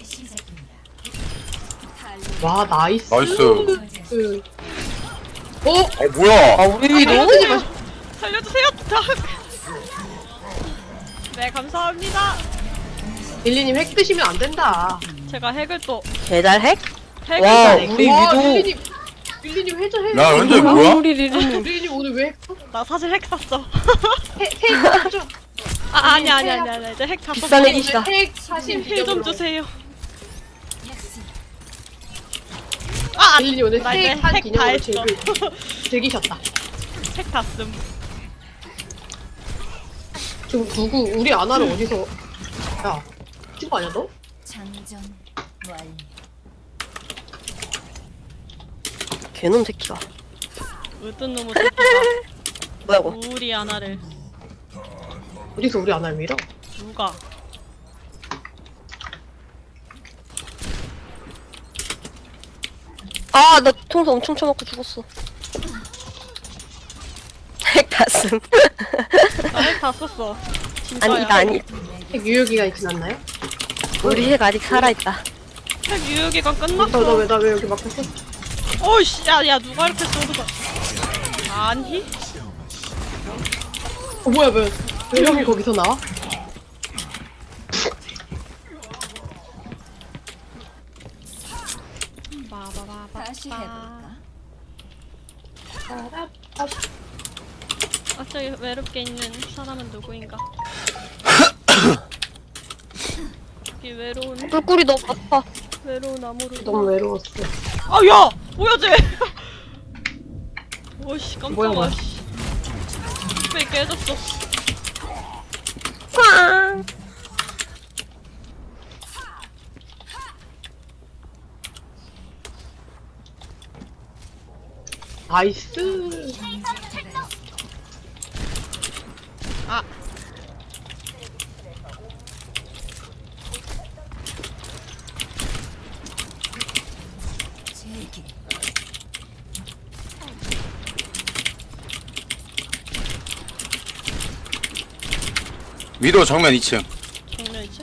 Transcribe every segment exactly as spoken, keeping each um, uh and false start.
와 나이스. 나이스. 그... 어? 아 뭐야? 아 우리 너무 살려주세요. 네 감사합니다. 릴리님 핵 드시면 안 된다. 제가 핵을 또 배달 핵? 핵을 와, 또- 우리 와, 위도- 릴리님 릴리님 해줘 해. 야 현재 뭐야? 우리 리리님 릴리님 오늘 왜 핵? 나 사실 핵 샀어. 핵핵 좀. 아 아니 아니 아니 아니 이제 핵 다 비싼 썼어. 핵이- 핵이시다. 핵 사신 힐좀 주세요. 아 릴리님 오늘 나 이제 핵한 핵 다 기념으로 했어. 즐기, 즐기셨다. 핵 다 쓴. 지금 누구 우리 아나를 어디서? 야 친구 아니야 너? 장전 완료. 개놈 새끼가 으뜬 놈의 새끼가 뭐야 이거 우리 아나를 어디서 우리 아나를 밀어? 누가? 아 나 통수 엄청 쳐먹고 죽었어 핵 다슴 나 핵 다 썼어. 진짜야. 아니 이거 아니 핵 유효기간이 지났나요? 우리 핵 아직 살아있다 핵 유효기간 나 끝났어. 나 왜 나 왜 여기 막혔어? 어이씨 야야 누가 이렇게 쏘는 아니? 어 뭐야 왜? 왜 형이 거기서 나와? 바바바바. 다시 해볼까? 아 저기 외롭게 있는 사람은 누구인가? 이 외로운 꿀꿀이 너무 아파 외로운 나무를. 너무 외로웠어. 아야 뭐야 쟤? 오씨 뭐야, 뭐야. 깜짝아. 씨. 왜 깨졌어? 꽝 나이스. 아 제기. 위도 정면 이 층. 정면 있지?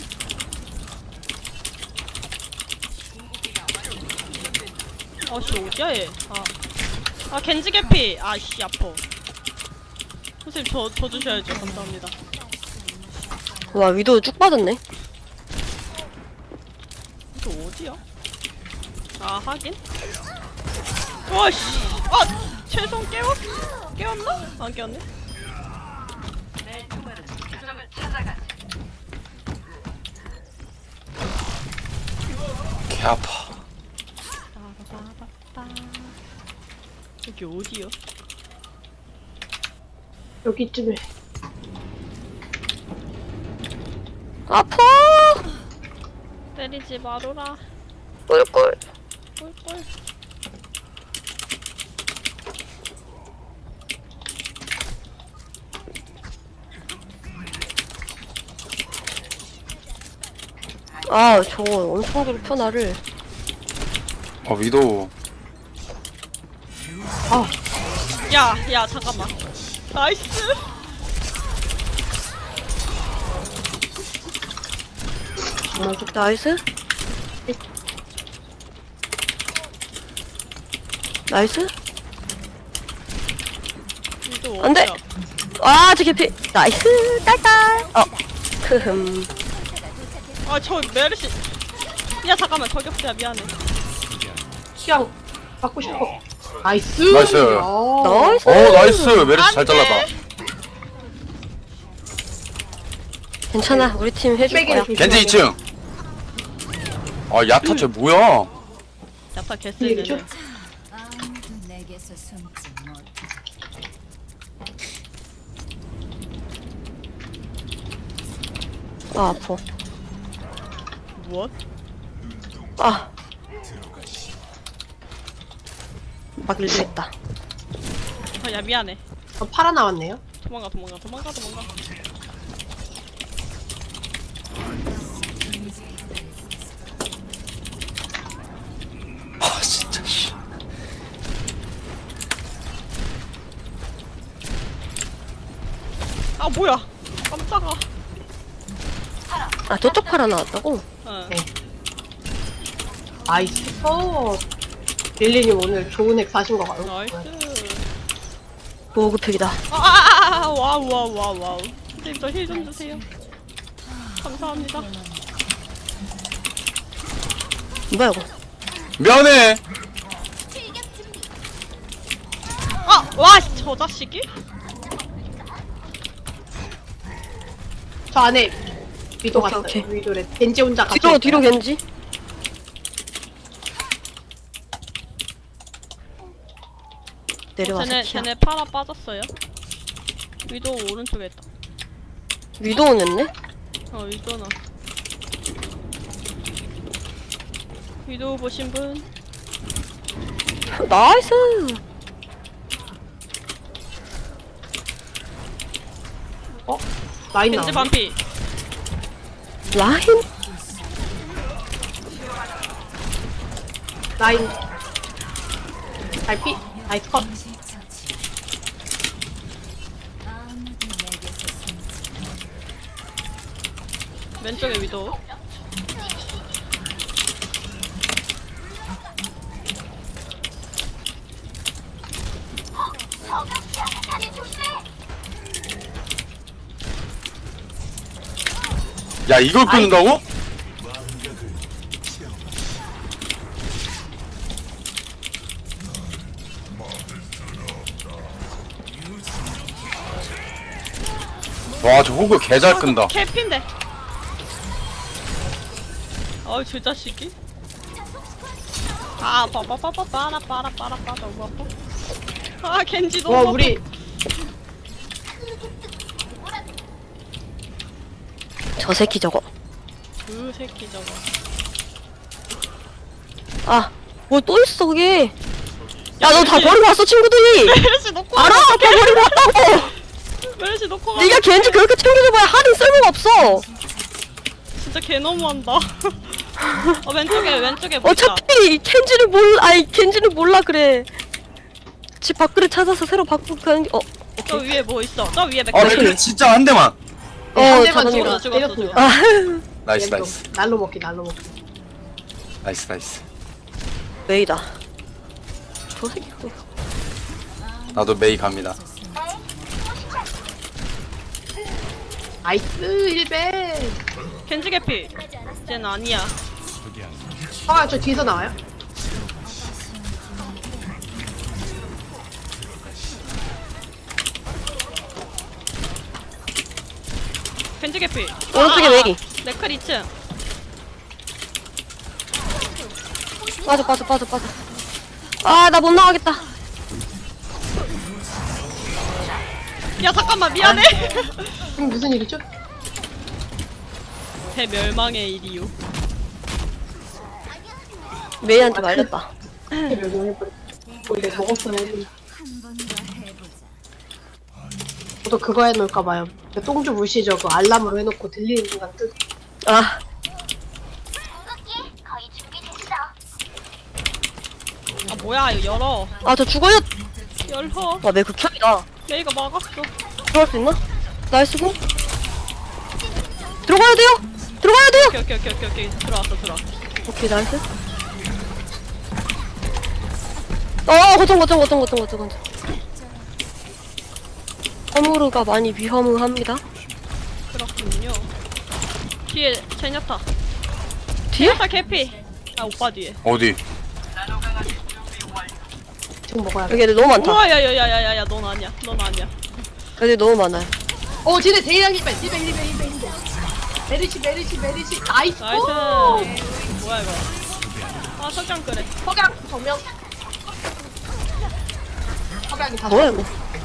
아씨 어디야 얘? 아, 아 겐지 개피. 아씨 아파. 선생님 저, 저 주셔야죠. 감사합니다. 와 위도 쭉 빠졌네 이거 어디야? 아 하긴. 와씨. 아 최성 깨웠 깨웠나? 안 깨웠네. 개 아파. 빠바바바바. 여기 어디야? 여기쯤에. 아파 때리지 마로라. 꿀꿀 꿀꿀. 아 저거 엄청 괴롭혀 나를 어 위도. 야, 야, 잠깐만. 나이스. 나이스 나이스 이거 안 돼. 어디야? 아저 개피 나이스 딸딸 어 크흠 아, 저 메르시. 야, 잠깐만. 저격수야. 미안해. 취향 받고 싶어. 나이스. 나이스. 야. 나이스 어 나이스. 메르시 잘 잘랐다. 괜찮아 우리 팀 해줄 빼기를 거야 조심하게. 겐지 이 층. 아 야타 쟤 뭐야? 야타 이게 개쓰네. 좀- 아무도 내게서 숨지 못해. 아 아파 무엇? 아 막힐 수 있다 아, 야, 미안해. 어, 팔아 나왔네요. 도망가, 도망가, 도망가, 도망가. 아 진짜 씨. 아, 뭐야. 깜짝아. 아 저쪽 팔아 나왔다고? 응. 네. 나이스 컷. 릴리님 오늘 좋은 액 사신 거 같아요. 나이스. 보급팩이다. 아, 와우, 와우, 와우, 와우. 선생님, 저 힐 좀 주세요. 감사합니다. 뭐야 이거? 면회. 아, 와, 저 자식이? 저 안에 위도 오케이, 갔어요. 오케이. 위도래. 겐지 혼자 같이. 뒤로 있어요. 뒤로 겐지. 내려와 쟤네, 새끼야. 쟤네 파라 빠졌어요. 위도 오른쪽에 있다. 위도우 냈네? 어, 위도나. 위도 보신 분? 나이스. 어? 라인 겐지 나오네. 반피. 라인? 라인. 달피. 나이스 컷. 동시 처치. 아무도 내게서 숨지 못. 왼쪽에 위도. 야 이걸 끊는다고? 와 저 호그 개잘 끈다. 캡인데. 어이, 저 자식이? 아, 빠빠빠빠 빠라 빠라 빠라 빠라 너무 아파. 아, 겐지 너무 와 아파. 우리 저 새끼 저거. 그 새끼 저거. 아, 뭐 또 있어 그게. 야, 너 다 멜시. 버리고 왔어 친구들이. 메르시 놓고 알아? 다 버리고 왔다고. 메르시 놓고 가. 네가 겐지 그렇게 챙겨줘봐야 할인 쓸모가 없어. 진짜 개 너무한다. 어, 왼쪽에 왼쪽에 뭐 있다. 어차피 겐지를 몰라. 아니 겐지를 몰라 그래. 집 밖으로 찾아서 새로 바꾸고 가는 게. 어, 저 위에 뭐 있어? 저 위에 맥. 아 근데 진짜 한 대만. 어, 한 대만 잡았네. 죽여 죽었어, 때렸습니다. 아, 나이스 얘도 나이스 날로 먹기 날로 먹기. 나이스 나이스. 메이다. 저 새끼. 또. 나도 메이 갑니다. 나이스 일배. 겐지 개피. 쟤는 아니야. 아 저 뒤에서 나와요? 겐지 개피. 오른쪽에 메이. 네클 이 층. 빠져 빠져 빠져 빠져. 아, 나 못 나가겠다. 야, 잠깐만, 미안해. 지금 무슨 일이죠? 대멸망의 일이요. 메이한테 말렸다. 원래 먹었어요. 한 번 더 해보자. 저도 그거 해놓을까봐요. 똥주 물시죠. 그 알람으로 해놓고 들리는 순간 뜨. 아, 아, 뭐야, 이거 열어. 아, 저 죽어요. 열어. 와, 메이 극혐이다. 메이가 막았어. 들어갈 수 있나? 나이스고. 들어가야 돼요. 들어가야 돼요. 오케이, 오케이, 오케이, 오케이, 오케이. 들어왔어, 들어왔어. 오케이, 나이스. 어, 거점, 거점, 거점, 거점, 거점, 거점. 허무르가 많이 위험합니다. 그렇군요. 뒤에 제냐타. 뒤에? 제냐타 개피. 아, 오빠 뒤에. 어디? 지금 먹어야 돼. 여기 애들 너무 많다. 우와, 야, 야, 야, 야, 야, 야, 넌 아니야. 넌 아니야. 애들 너무 많아요. 어 쟤네 대이랑 일배 일배 일배 일배 일배. 메르시 메르시 메르시 나이스. 나이스. 오! 뭐야, 이거. 아, 석양 끄래. 석양 정명. 석양이 다. 뭐야, 이거?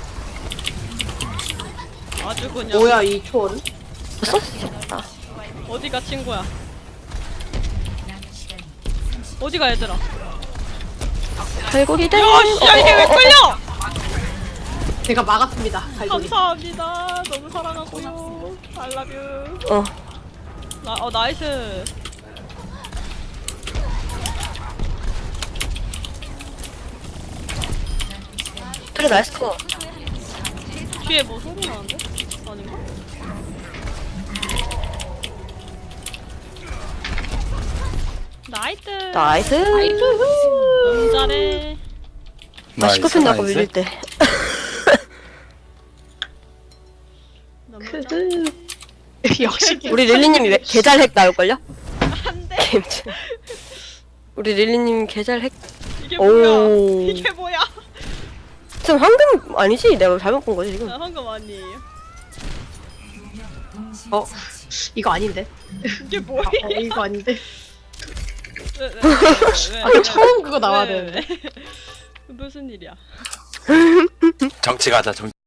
아주 그냥. 뭐야 이 초원? 벌써? 아, 어디가 친구야? 어디가 얘들아? 갈고리 대. 야, 씨, 야, 이게 왜 끌려? 제가 막았습니다. 갈고리. 감사합니다. 너무 사랑하고요. I love you. 어. 나, 어, 나이스. 그래, 나이스 거. 뒤에 뭐 소리 나는데? 아닌가? 나이트. 나이스. 너무 잘해. 나 시커피 나고 밀릴 때. 너무 크흐. 잘해. 역시 우리 릴리님이 왜 개잘 핵 나올걸요? 안돼. 게임즈. 우리 릴리님 개잘 핵. 이게 오. 뭐야? 이게 뭐야? 지금 황금 아니지? 내가 잘못 본 거지 지금. 나 방금 아니에요. 어 이거 아닌데? 이게 뭐야? 어, 이거 아닌데? 왜, 왜, 왜, 왜, 왜, 아 왜, 처음 그거 왜, 나와야 왜, 되는데. 왜? 무슨 일이야? 정치 가자 정치.